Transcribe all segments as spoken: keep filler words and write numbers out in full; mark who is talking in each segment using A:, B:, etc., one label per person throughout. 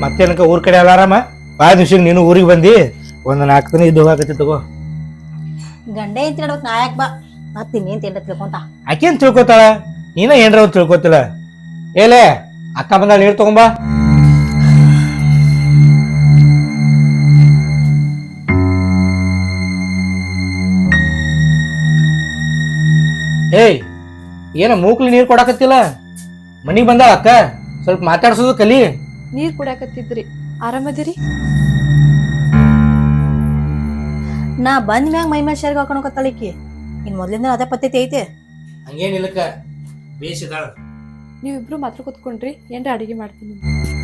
A: ಮತ್ತೇನಕ ಊರ್ ಕಡೆ ಅಲ್ಲ ಆರಾಮ ಭಾಳ ದಿವ್ಸ ನೀನು ಊರಿಗೆ ಬಂದಿ ಒಂದು ನಾಲ್ಕು ದಿನ ಇದ್ದು ಹೋಗಕತ್ತಿ ತಗೋ.
B: ಗಂಡೆ ಅಂತ ಹೇಳ್ಬೇಕು ನಾಯಕ್ ಬಾ ಮತ್ತೆ ಇನ್ನೇನ್ ತಿಂಡ ತಿಳ್ಕೊಂತ
A: ಆಕೇನ್ ತಿಳ್ಕೊತಾಳ ನೀನ ಏನ್ರ ಅವ್ರು ತಿಳ್ಕೊತಿಲ್ಲ. ಏಲೇ ಅಕ್ಕ ಬಂದಾಳ ನೀರು ತಗೊಂಬಾ. ಏಯ್ ಏನ ಮೂಕ್ಲಿ ನೀರ್ ಕೊಡಾಕತ್ತಿಲ್ಲ ಮನಿಗ್ ಬಂದಾಳ ಅಕ್ಕ ಸ್ವಲ್ಪ ಮಾತಾಡ್ಸೋದು ಕಲಿ.
C: ನೀರ್ ಕುಡಿಯಾಕತ್ತಿದ್ರಿ ಆರಾಮದಿರಿ?
B: ನಾ ಬಂದ್ ಮ್ಯಾಗ ಮೈ ಮೇಲೆ ಶರ್ಗ್ ಹಾಕೊಂಡೋಗತ್ತಳಿಕಿ ಇನ್ ಮೊದ್ಲಿಂದ ಅದೇ ಪದ್ಧತಿ ಐತೆ.
A: ಹಂಗೇನಿಲ್ಲಕ್ಕ ಬೇಸಿದಾಳ.
C: ನೀವಿಬ್ರು ಮಾತ್ರ ಕೂತ್ಕೊಂಡ್ರಿ ಏನ್ರ ಅಡಿಗೆ ಮಾಡ್ತೀನಿ.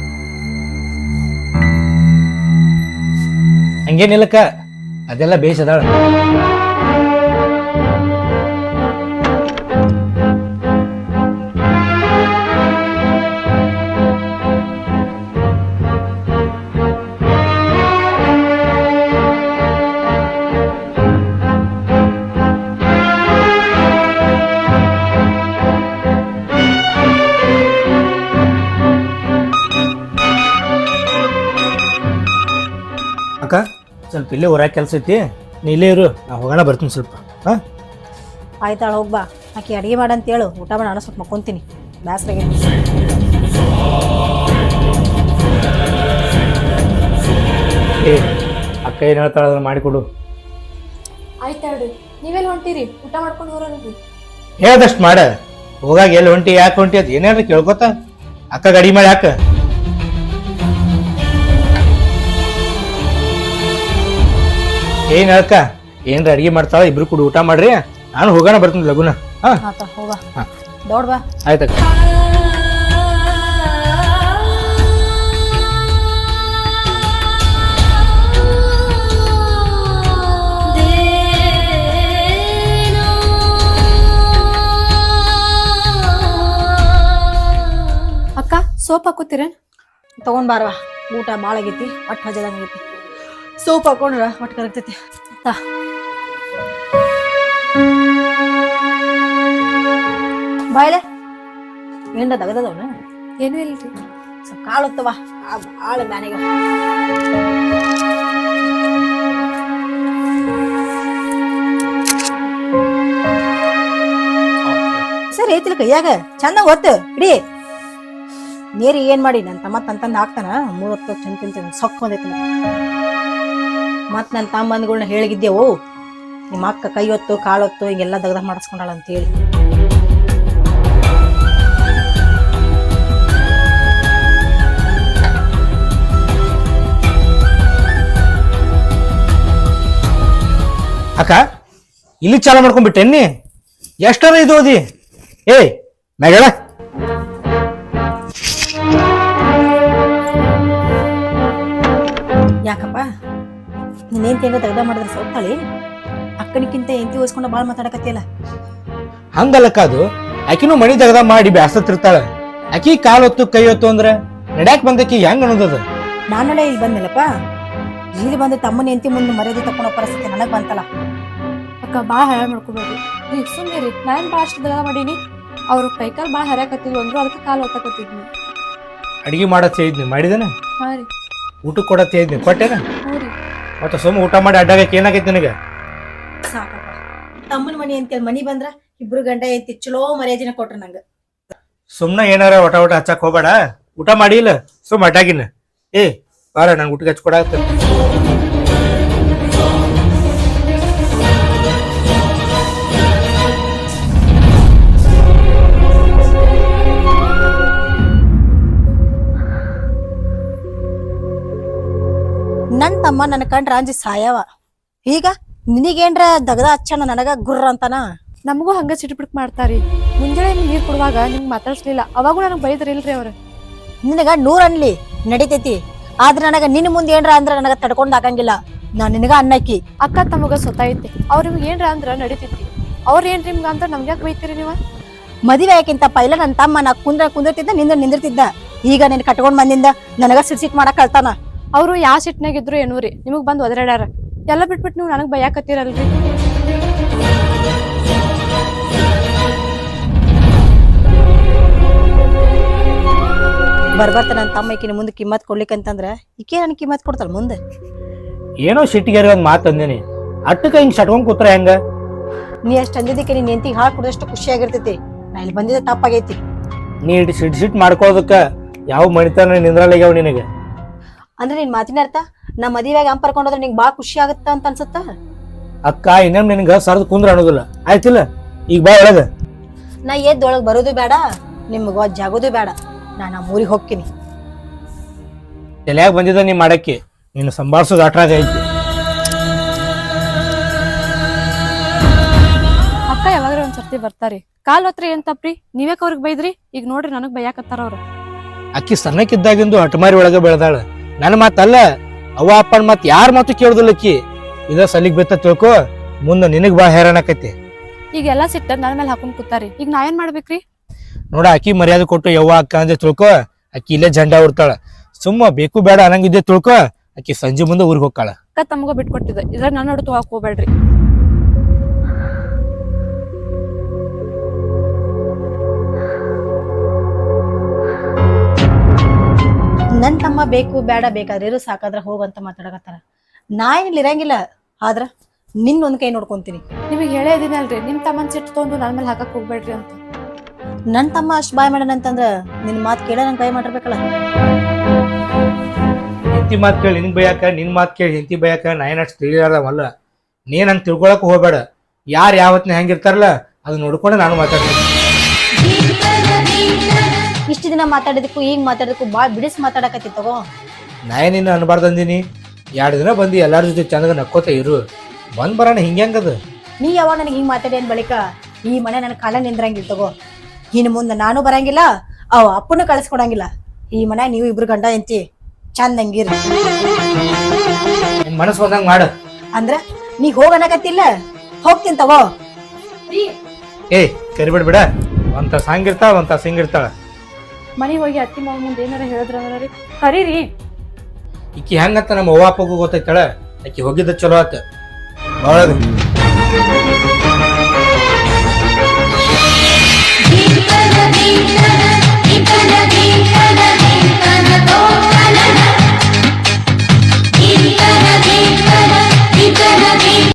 A: ಹಂಗೇನಿಲ್ಲಕ್ಕ ಅದೆಲ್ಲ ಬೇಸದಾಳ. ಅಕ್ಕ ಸ್ವಲ್ಪ ಇಲ್ಲೇ ಹೊರಗೆ ಕೆಲಸ ಐತಿ ನೀ ಇಲ್ಲೇ ಇರು ನಾ ಹೋಗೋಣ ಬರ್ತೀನಿ ಸ್ವಲ್ಪ. ಹಾ
B: ಆಯ್ತಾಳ ಹೋಗ್ಬಾ ಆಕಿ ಅಡಿಗೆ ಮಾಡಂತ ಹೇಳು ಊಟ ಮಾಡಿ ನಾನು ಸ್ವಲ್ಪ ಮಕ್ಕೊಂತೀನಿ ಬ್ಯಾಸ್ರಾಗೆ.
A: ಏ ಅಕ್ಕ ಏನು ಹೇಳ್ತಾಳ ಅದನ್ನ ಮಾಡಿಕೊಡು.
C: ಆಯ್ತಾಡ್ರಿ ನೀವೆಲ್ಲ ಹೊಂಟಿರಿ ಊಟ ಮಾಡ್ಕೊಂಡು ಹೋರಲ್ರಿ.
A: ಹೇಳ್ದಷ್ಟು ಮಾಡ ಹೋಗಾಗ ಎಲ್ಲಿ ಹೊಂಟಿ ಯಾಕೆ ಹೊಂಟಿ ಅದು ಏನಾರ ಕೇಳ್ಕೊತ ಅಕ್ಕ ಗಾಡಿ ಮಾಡಿ ಯಾಕ. ಏನ್ ಅಕ್ಕ ಏನ್ರ ಅಡಿಗೆ ಮಾಡ್ತಾಳ ಇಬ್ರು ಕೂಡ ಊಟ ಮಾಡ್ರಿ ನಾನು ಹೋಗೋಣ ಬರ್ತೀನಿ ಲಗುನ. ಹಾ
B: ಆತ ಹೋಗ ದೌಡ್ ಬಾ.
A: ಆಯ್ತಕ್ಕ.
C: ಅಕ್ಕ ಸೋಪ್ ಹಾಕೋತೀರ?
B: ತಗೊಂಡ್ ಬಾರವಾ ಊಟ ಭಾಳ ಆಗೈತಿ ಒಟ್ಟು ಹಜದಂಗ ಆಗೈತಿ. ಸೋಪ್ ಹಾಕೊಂಡ್ರ ಒಟ್ಟು ಕರಗ್ತೈತಿ. ತಾ ಬಾಯ್ಲೆ ಏನ್ರ ತಗದವನ
C: ಏನೂ ಇಲ್ರಿ
B: ಸ್ವಲ್ಪ ಕಾಳು ಹೊತ್ತವ ಭಾಳ ಬ್ಯಾನಿಗ. ಸರಿ ಐತಿಲ್ಲ ಕೈಯಾಗ ಚಂದ ಒತ್ತು ಇಡೀ ನೀರು ಏನ್ ಮಾಡಿ ನನ್ನ ತಮ್ಮ ತಂತಂದು ಹಾಕ್ತಾನ ಮೂರ್ ಹೊತ್ತು ಚಂದ ತಿಂತೀನಿ ಸೊಕ್ಕ ಬಂದೈತಿ. ಮತ್ ನನ್ನ ತಮ್ಮಂದ್ಗಳ್ನ ಹೇಳಿಗಿದ್ದೆವು ನಿಮ್ಮ ಅಕ್ಕ ಕೈ ಹೊತ್ತು ಕಾಳು ಹೊತ್ತು ಹಿಂಗೆಲ್ಲ ದಗದ ಮಾಡಿಸ್ಕೊಂಡಾಳ ಅಂತೇಳಿ.
A: ಅಕ್ಕ ಇಲ್ಲಿ ಚಾಲ ಮಾಡ್ಕೊಂಡ್ಬಿಟ್ಟೆನ್ನಿ ಎಷ್ಟರ ಇದು ಓದಿ. ಏಯ್ ಮ್ಯಾಗಳ
B: ಯಾಕಪ್ಪ ನೀನೇನ್ ತಿಂಗ ದಗದ ಮಾಡಿದ್ರೆ ಸೌತಾಳಿ ಅಕ್ಕನಿಕ್ಕಿಂತ ಎಂತಿ ಓದಿಸ್ಕೊಂಡ ಬಾಳ್ ಮಾತಾಡಕತ್ತಿಯಲ್ಲ.
A: ಹಂಗಲ್ಲಕ್ಕ ಅದು ಆಕಿನೂ ಮಣಿ ದಗದ ಮಾಡಿ ಬ್ಯಾಸತ್ತಿರ್ತಾಳ. ಆಕಿ ಕಾಲ್ ಹೊತ್ತು ಕೈ ಹೊತ್ತು ಅಂದ್ರೆ ನಡ್ಯಾಕ್ ಬಂದಕಿ ಹೆಂಗ್ ಅನ್ನೋದದ.
B: ನಾನೊಳೆ ಇಲ್ಲಿ ಬಂದಿಲ್ಲಪ್ಪ ಇಲ್ಲಿ ಬಂದು ತಮ್ಮನ ಎಂತಿ ಮುಂದೆ ಮರ್ಯಾದೆ ತಕೊಂಡೋ ಪರಿಸ್ಥಿತಿ ನನಗ್ ಬಂತಲ್ಲ.
C: ಅಕ್ಕ ಭಾಳ ಹರ ಮಾಡ್ಕೋಬೇಡ್ರಿ ನೀವು ಸುಮ್ಮನೆ ನಾನು ಭಾಳ ಅಷ್ಟು ದಗ ಮಾಡೀನಿ. ಅವ್ರ ಕೈಕಾಲ್ ಭಾಳ ಹರ್ಯಾಕತ್ತಿದ್ವು ಅಂದ್ರು ಅದಕ್ಕೆ ಕಾಲು ಹೊತ್ತಕತ್ತಿದ್ನಿ.
A: ಅಡಿಗೆ ಮಾಡತ್ ಹೇಳಿದ್ನಿ ಮಾಡಿದೇನ?
C: ಹಾ ರೀ.
A: ಊಟಕ್ಕೆ ಕೊಡತ್ ಹೇಳಿದ್ನಿ ಕೊಟ್ಟೇನ?
C: ಹ್ಞೂ ರೀ.
A: ಮತ್ತೆ ಸುಮ್ಮ ಊಟ ಮಾಡಿ ಅಡ್ಡಾಗಕ್ಕೆ ಏನಾಗೈತಿ ನಿನಗೆ?
B: ಸಾಕಪ್ಪ ತಮ್ಮನ ಮನಿ ಅಂತೇಳಿ ಮನಿ ಬಂದ್ರ ಇಬ್ರು ಗಂಡ ಎಂತಿ ಚಲೋ ಮರ್ಯಾದಿನ ಕೊಟ್ರ ನಂಗ.
A: ಸುಮ್ನ ಏನಾರ ಒಟ ಒಟ ಹಚ್ಚಕ್ ಹೋಗ್ಬೇಡ ಊಟ ಮಾಡಿ ಇಲ್ಲ ಸುಮ್ ಅಡ್ಡಾಗಿನ. ಏ ಬಾರ ನಂಗೆ ಊಟಕ್ಕೆ ಹಚ್ಕೊಡಾಕ.
B: ನನ್ ತಮ್ಮ ನನ್ನ ಕಂಡ್ರ ಅಂಜಿ ಸಾಯವ ಈಗ ನಿನಗೇನ್ರ ದಗದ ಹಚ್ಚಣ ನನಗ ಗುರ್ರ ಅಂತಾನ.
C: ನಮಗೂ ಹಂಗ ಸಿಟ್ಬಿಟ್ ಮಾಡ್ತಾರಿ. ಮುಂಜಾನೆ ನೀರ್ ಕೊಡುವಾಗ ನಿಮ್ಗೆ ಮಾತಾಡ್ಸ್ಲಿಲ್ಲ ಅವಾಗೂ ನನಗೆ ಬೈದ್ರಿ ಇಲ್ರಿ ಅವ್ರ.
B: ನಿನಗ ನೂರ್ ಅನ್ಲಿ ನಡಿತೈತಿ ಆದ್ರ ನನಗ ನಿನ್ ಮುಂದೆ ಏನ್ರ ಅಂದ್ರ ನನಗ ತಡ್ಕೊಂಡ್ ಹಾಕಂಗಿಲ್ಲ. ನಾ ನಿನಗ ಅನ್ನಕ್ಕಿ
C: ಅಕ್ಕ ತಮಗ ಸ್ವತೈತಿ ಅವ್ರ ನಿಮ್ಗೆ ಏನ್ರ ಅಂದ್ರ ನಡಿತೈತಿ. ಅವ್ರ ಏನ್ರಿ ನಿಮ್ಗ ಅಂತ ನಮ್ಗೆ ಯಾಕೆ ಬೈತೀರಿ ನೀವು?
B: ಮದುವೆ ಆಕಿಂತ ಪೈಲ ನನ್ನ ತಮ್ಮ ನಾ ಕುಂದ್ರ ಕುಂದಿರ್ತಿದ್ದ ನಿಂದ ನಿಂದಿರ್ತಿದ್ದ. ಈಗ ನಿನ್ ಕಟ್ಕೊಂಡ್ ಬಂದಿಂದ ನನಗ ಸಿಟ್ ಸಿಟ್ ಮಾಡಕ್ ಕಳ್ತಾನ.
C: ಅವ್ರು ಯಾವ ಸಿಟ್ನಾಗಿದ್ರು ಏನೂ ರೀ ನಿಮಗ್ ಬಂದ್ ಒದರಾಡ್ಯಾರ ಎಲ್ಲ ಬಿಟ್ಬಿಟ್ಟು ನೀವು ನನಗ್ ಬೈಯಾಕತ್ತೀರಲ್ರಿ.
B: ಬರ್ಬರ್ತ ನನ್ನ ತಮ್ಮ ಈಕಿನ ಮುಂದೆ ಕಿಮ್ಮತ್ ಕೊಡ್ಲಿಕ್ಕಂತಂದ್ರ ಈಕೆ ನನ್ ಕಿಮ್ಮತ್ ಕೊಡ್ತಾಳ ಮುಂದೆ.
A: ಏನೋ ಸಿಟ್ಟಿಗೆರಿ ಒಂದ್ ಮಾತು ಅಂದೇನಿ, ಅಟ್ಟಕ್ಕ ಹಿಂಗ್ ಸಟ್ಕೊಂಡ್ ಕೂತ್ರ ಹೆಂಗ?
B: ನೀ ಅಷ್ಟ್ ಅಂದಿದ್ದಕ್ಕೆ ನೀನ್ ಎಂತಿಗೆ ಹಾಳು ಕುಡಿದಷ್ಟು ಖುಷಿಯಾಗಿರ್ತೈತಿ. ನಾ ಇಲ್ಲಿ ಬಂದಿದ್ದ ತಪ್ಪಾಗೈತಿ.
A: ನೀ ಇಟ್ಟು ಸಿಟ್ ಸಿಟ್ ಮಾಡ್ಕೋದಕ್ಕ ಯಾವ ಮಣಿತನ ನಿಂದ್ರಲ್ಲಾಗ್ಯಾವ ನಿನಗೆ.
B: ಅಂದ್ರೆ ನಿನ್ ಮಾತಿನ ಅರ್ಥ ನಾ ಮದುವೆಯಾಗ ಹಂಪ್ ಕರ್ಕೊಂಡೋದ್ರೆ ನಿಂಗೆ ಬಾಳ ಖುಷಿ ಆಗತ್ತ ಅಂತ ಅನ್ಸುತ್ತ?
A: ಅಕ್ಕ ಇನ್ನೊಮ್ಮೆ ನಿನಗ ಸರ್ದ್ ಕುಂದ್ರ ಅನ್ನೋದಿಲ್ಲ, ಆಯ್ತಿಲ್ಲ? ಈಗ ಬಾ ಒಳಗ.
B: ನಾ ಎದ್ದೊಳಗ್ ಬರೋದು ಬೇಡ, ನಿಮ್ಗ ಜಾಗೋದು ಬೇಡ. ನಾ ನಮ್ಮ ಊರಿಗೆ ಹೋಗ್ತೀನಿ.
A: ತಲ್ಯಾಗ ಬಂದಿದ್ದ ನೀ ಮಾಡಕ್ಕೆ, ನೀನು ಸಂಭಾಳ್ಸೋದು ಅಟ್ರಾಗ ಐತಿ.
C: ಅಕ್ಕ ಯಾವಾಗ್ರ ಒಂದ್ ಸರ್ತಿ ಬರ್ತಾರಿ, ಕಾಲ್ ಹೊತ್ರಿ ಏನ್ ತಪ್ಪ್ರಿ? ನೀವ್ಯಾಕ ಅವ್ರಿಗೆ ಬೈದ್ರಿ? ಈಗ ನೋಡ್ರಿ ನನಗ್ ಬೈಯಾಕತ್ತಾರ ಅವ್ರು.
A: ಅಕ್ಕಿ ಸಣ್ಣಕ್ಕಿದ್ದಾಗಿಂದು ಹಟಮಾರಿ ಒಳಗ ಬೆಳೆದಾಳ. ನನ್ನ ಮಾತಲ್ಲ, ಅವ್ವ ಅಪ್ಪನ ಮಾತು ಯಾರ ಮಾತು ಕೇಳುದಿಲ್ಲ ಅಕ್ಕಿ. ಇದ ಸಲಿಗ್ ಬಿತ್ತ ತಿಳ್ಕೊ, ಮುಂದೆ ನಿನಗ್ ಬಾ ಹೈರಾಣ ಆಕೈತಿ.
C: ಈಗ ಎಲ್ಲಾ ಸಿಟ್ಟ ನನ್ ಮೇಲೆ ಹಾಕೊಂಡ್ ಕೂತಾರಿ, ಈಗ ನಾ ಏನ್ ಮಾಡ್ಬೇಕ್ರಿ?
A: ನೋಡ, ಅಕ್ಕಿ ಮರ್ಯಾದೆ ಕೊಟ್ಟು ಯವ್ವ ಅಕ್ಕ ಅಂದೆ ತಿಳ್ಕೊ, ಅಕ್ಕಿ ಇಲ್ಲೇ ಜಂಡ ಉರ್ತಾಳ. ಸುಮ್ಮ ಬೇಕು ಬೇಡ ಅನ್ನಂಗಿದ್ದೆ ತಿಳ್ಕೊ, ಅಕ್ಕಿ ಸಂಜೆ ಮುಂದೆ ಊರಿಗೆ ಹೋಗ್ತಾಳ.
C: ಅಕ್ಕ ತಮಗ ಬಿಟ್ಕೊಟ್ಟಿದ್ದ, ಇದ್ರಾಗ ನನ್ನ ನೋಡು ತಗೋಕ್ ಹೋಗ್ಬೇಡ್ರಿ.
B: ನನ್ ತಮ್ಮ ಬೇಕು ಬೇಡ ಬೇಕಾದ್ರೆ ಇರು ಸಾಕಾದ್ರ ಹೋಗಂತ ಮಾತಾಡಕತ್ತಾರ. ನಾ ಏನಿಲ್ಲ ಇರಂಗಿಲ್ಲ, ಆದ್ರ ನಿನ್ ಒಂದ್ ಕೈ ನೋಡ್ಕೊಂತೀನಿ.
C: ನಿಮಗ್ ಹೇಳೇ ಇದೀನಲ್ರಿ, ನಿಮ್ ತಮ್ಮನ್ ಸಿಟ್ಟು ತಗೊಂಡು ನನ್ ಮೇಲೆ ಹಾಕಕ್ ಹೋಗ್ಬೇಡ್ರಿ ಅಂತ.
B: ನನ್ ತಮ್ಮ ಅಷ್ಟ್ ಬಾಯ್ ಮಾಡ್ಯಾನ ಅಂತಂದ್ರ ನಿನ್ ಮಾತ್ ಕೇಳ ನಂಗೆ ಬಾಯ್ ಮಾಡಿರ್ಬೇಕಲ್ಲ.
A: ಹೆಂಡತಿ ಮಾತು ಕೇಳಿ ನಿನ್ ಬೈಯಾಕ, ನಿನ್ ಮಾತು ಕೇಳಿ ಹೆಂಡತಿ ಬೈಯಾಕ ನಾ ಏನಷ್ಟು ತಿಳಿಯಾರವಲ್ಲ. ನೀನ್ ಹಂಗ್ ತಿಳ್ಕೊಳಕ್ ಹೋಗ್ಬೇಡ. ಯಾರು ಯಾವತ್ನ ಹೆಂಗಿರ್ತಾರಲ್ಲ ಅದು ನೋಡ್ಕೊಂಡು ನಾನು ಮಾತಾಡ್ತೀನಿ.
B: ಇಷ್ಟ ದಿನ ಮಾತಾಡಿದಕ್ಕೂ ಈಗ ಮಾತಾಡೋದಕ್ಕೂ ಬಾಳ್ ಬಿಡಿಸ್ ಮಾತಾಡಕತ್ತಿ ತಗೋ.
A: ನಾ ಏನಿನ್ನ ಅನ್ಬಾರ್ದಂದಿನಿ. ಎರಡು ದಿನ ಬಂದು ಎಲ್ಲಾರ ಜೊತೆ ಚಂದಾಗ ನಕ್ಕೋತ ಇರು. ಬಂದ್ ಬರೋಣ ಹಿಂಗ್ಯಾಂಗದ.
B: ನೀ ಯಾವಾಗ ನನಗೆ ಹಿಂಗ್ ಮಾತಾಡಿ ಬಳಿಕ ಈ ಮನೆ ನನ್ನ ಕಾಲ ನಿಂದ್ರಂಗಿಲ್ಲ ತಗೋ. ಇನ್ನು ಮುಂದೆ ನಾನು ಬರಂಗಿಲ್ಲ, ಅವ ಅಪ್ಪನ ಕಳಿಸ್ಕೊಡಂಗಿಲ್ಲ. ಈ ಮನೆ ನೀವು ಇಬ್ರು ಗಂಡ ಎಂತಿ ಚಂದಂಗಿರಿ.
A: ನಿನ್ ಮನಸ್ಸು ಬಂದಂಗ ಮಾಡ.
B: ಅಂದ್ರ ನೀ ಹೋಗನಕತ್ತಿಲ್ಲ, ಹೋಗ್ತೀನಿ ತಗೋ.
A: ಏಯ್ ಕರಿಬಿಡ್ ಬಿಡ. ಒಂದ್ ತಾಸ ಹಂಗಿರ್ತಾಳ, ಒಂದ್ ತಾಸ ಹಿಂಗಿರ್ತಾಳ.
C: ಮನೆಗೆ ಹೋಗಿ ಅತ್ತಿ ಮಾವ ಮುಂದೆ ಏನಾರ ಹೇಳಿದ್ರ ರೀ ಕರೀರಿ.
A: ಈಕಿ ಹೆಂಗಂತ ನಮ್ಮ ಅವ್ವ ಅಪ್ಪಗೂ ಗೊತ್ತೈತಳ. ಆಕಿ ಹೋಗಿದ್ದ ಚಲೋ ಆತ.